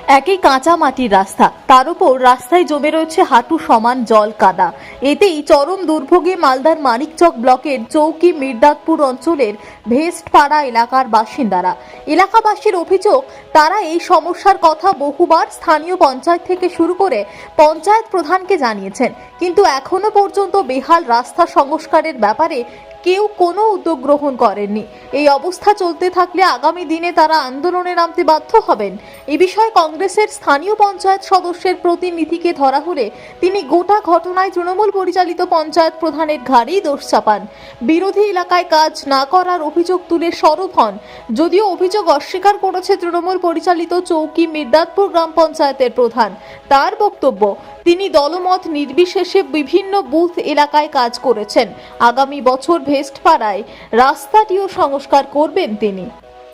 একই কাঁচা মাটির রাস্তা, তার উপর রাস্তায় জমে রয়েছে হাঁটু সমান জল কাদা। এতেই চরম দুর্ভোগে মালদার মানিকচক ব্লকের চৌকি মির্দাতপুর অঞ্চলের ভেস্টপাড়া এলাকার বাসিন্দারা। এলাকাবাসীর অভিযোগ, তারা এই সমস্যার কথা বহুবার স্থানীয় পঞ্চায়েত থেকে শুরু করে পঞ্চায়েত প্রধানকে জানিয়েছেন, কিন্তু এখনো পর্যন্ত বেহাল রাস্তা সংস্কারের ব্যাপারে কেউ কোনো উদ্যোগ গ্রহণ করেননি। এই অবস্থা চলতে থাকলে আগামী দিনে তারা আন্দোলনে নামতে বাধ্য হবেন। এ বিষয়ে কংগ্রেসের স্থানীয় পঞ্চায়েত সদস্যের প্রতিনিধিকে ধরা হলে তিনি গোটা ঘটনায় তৃণমূল পরিচালিত পঞ্চায়েত প্রধানের ঘাড়েই দোষ চাপান। বিরোধী এলাকায় কাজ না করার অভিযোগ তুলে সরব হন। যদিও অভিযোগ অস্বীকার করেছে তৃণমূল পরিচালিত চৌকি মির্দাতপুর গ্রাম পঞ্চায়েতের প্রধান। তার বক্তব্য, তিনি দলমত নির্বিশেষে বিভিন্ন বুথ এলাকায় কাজ করেছেন। আগামী বছর ভেস্টপাড়ায় রাস্তাটিও সংস্কার করবেন তিনি।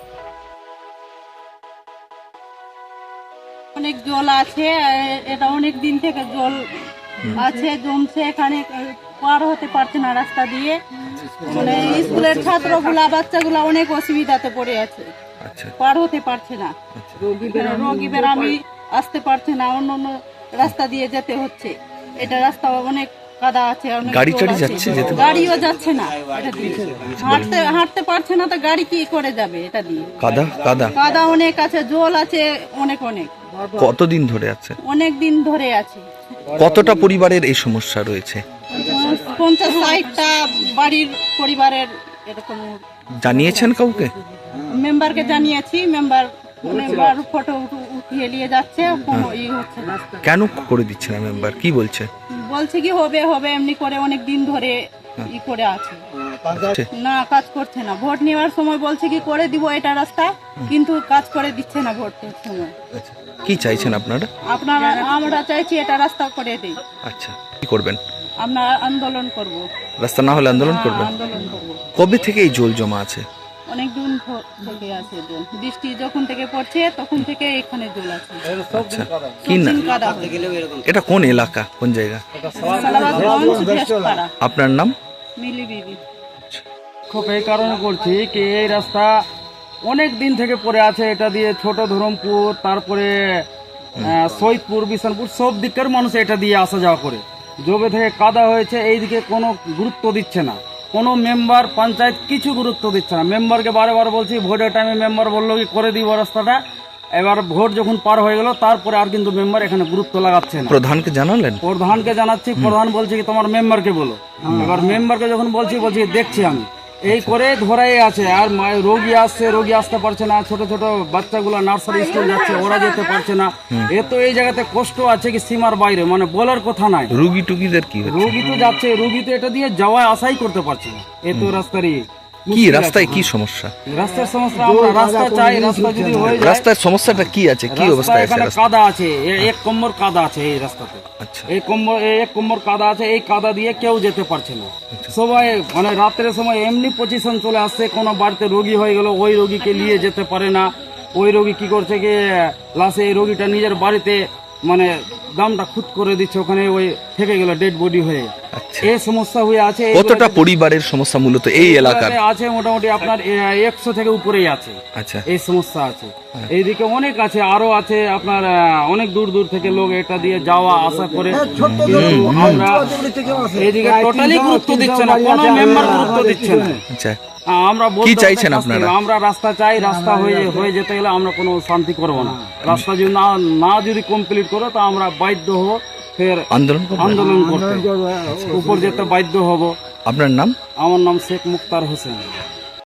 অনেক জল আছে, এটা অনেক দিন থেকে জল আছে, জমছে, এখানে পার হতে পারছে না রাস্তা দিয়ে। মানে স্কুলের ছাত্রগুলা বাচ্চাগুলা অনেক অসুবিধাতে পড়ে আছে, পার হতে পারছে না। রোগী বেরামি আসতে পারছে না, অন্য অন্য রাস্তা দিয়ে যেতে হচ্ছে। এটা রাস্তা অনেক কাদা আছে, গাড়িও যাচ্ছে না, হাঁটতে পারছে না, তো গাড়ি কি করে যাবে? এটা দিয়ে কাদা অনেক আছে, জল আছে অনেক অনেক। কতদিন ধরে আছে? অনেক দিন ধরে আছে। কতটা পরিবারের এই সমস্যা রয়েছে? 50-60টা বাড়ির পরিবারের এরকম। জানিয়েছেন কাউকে? মেম্বারকে জানিয়েছি, মেম্বার ফটো উঠিয়ে নিয়ে যাচ্ছে, কোনো হচ্ছে না। কেন করে দিচ্ছে না মেম্বার? কি বলছে? বলছে কি হবে হবে এমনি করে অনেক দিন ধরে করে আছে, না কাজ করছে না। ভোট নেওয়ার সময় বলছে কি করে দিব এটা রাস্তা, কিন্তু কাজ করে দিচ্ছে না ভোটের সময়। কি চাইছেন আপনারা? আমরা চাইছি এটা রাস্তা করে দিই। আচ্ছা, কি করবেন? আমরা আন্দোলন করব। রাস্তা না হলে আন্দোলন করবেন? আন্দোলন করব। কবে থেকে এই জল জমা আছে? অনেক দিন থেকে আছে জল, বৃষ্টি যখন থেকে পড়ছে তখন থেকে এখানে জল আছে। আচ্ছা, কি না এটা কোন এলাকা, কোন জায়গা? আপনার নাম? মিলি বিবি। খুব এই কারণে করছি কি এই রাস্তা অনেক দিন থেকে পড়ে আছে। এটা দিয়ে ছোট ধরমপুর, তারপরে সৈয়দপুর, বিশানপুর সব দিকের মানুষ এটা দিয়ে আসা যাওয়া করে। জবে থেকে কাদা হয়েছে, এইদিকে কোনো গুরুত্ব দিচ্ছে না কোনো মেম্বার, পঞ্চায়েত কিছু গুরুত্ব দিচ্ছে না। মেম্বারকে বারে বারে বলছি, ভোটের টাইমে মেম্বার বললো কি করে দিব রাস্তাটা। এবার ভোট যখন পার হয়ে গেল তারপরে আর কিন্তু মেম্বার এখানে গুরুত্ব লাগাচ্ছে না। প্রধানকে জানালেন? প্রধানকে জানাচ্ছি, প্রধান বলছে কি তোমার মেম্বারকে বলো। এবার মেম্বারকে যখন বলছি দেখছি আমি এই করে ধরাই আছে। আর রোগী আসছে, রোগী আসতে পারছে না। ছোট ছোট বাচ্চাগুলো নার্সারি স্কুল যাচ্ছে, ওরা যেতে পারছে না। এত এই জায়গাতে কষ্ট আছে কি সীমার বাইরে, মানে বলার কথা নাই। রোগী টুকিদের কি? রোগী তো যাচ্ছে, রোগী তো এটা দিয়ে যাওয়া আসাই করতে পারছে না। এত রাস্তার কি রাস্তায় কি সমস্যা? রাস্তার সমস্যা, আমরা রাস্তা চাই। রাস্তা যদি হয়ে যায়। রাস্তার সমস্যাটা কি আছে? কি অবস্থা আছে? এখানে কাদা আছে, এক কোমর কাদা আছে এই রাস্তাতে। আচ্ছা, এক কোমর কাদা আছে। এই কাদা দিয়ে কেউ যেতে পারছে না। সবাই মানে রাত্রের সময় এমনি পজিশন চলে আসছে, কোনো বাড়িতে রোগী হয়ে গেল, ওই রোগীকে নিয়ে যেতে পারে না। ওই রোগী কি করছে কি লাস্টে এই রোগীটা নিজের বাড়িতে মানে দামটা খুদ করে দিচ্ছে, ওখানে ওই থেকে গেল ডেড বডি হয়ে। এই সমস্যা হয়ে আছে। কতটা পরিবারের সমস্যা মূলত এই এলাকার আছে? মোটামুটি আপনার 100 থেকে উপরেই আছে। আচ্ছা, এই সমস্যা আছে। এইদিকে অনেক আছে, আরো আছে আপনার অনেক দূর দূর থেকে লোক এটা দিয়ে যাওয়া আসা করে। আমরা এইদিকে টোটালি গুরুত্ব দিচ্ছে না, কোনো মেম্বার গুরুত্ব দিচ্ছে না। আচ্ছা, আমরা কি চাইছেন আপনারা? আমরা রাস্তা চাই। রাস্তা হয়ে যেতে গেলে আমরা কোনো শান্তি করবো না। রাস্তা যদি না যদি কমপ্লিট করো তো আমরা বাধ্য হবো ফের আন্দোলন করতে, উপর যেতে বাধ্য হব। আপনার নাম? আমার নাম শেখ মুক্তার হোসেন।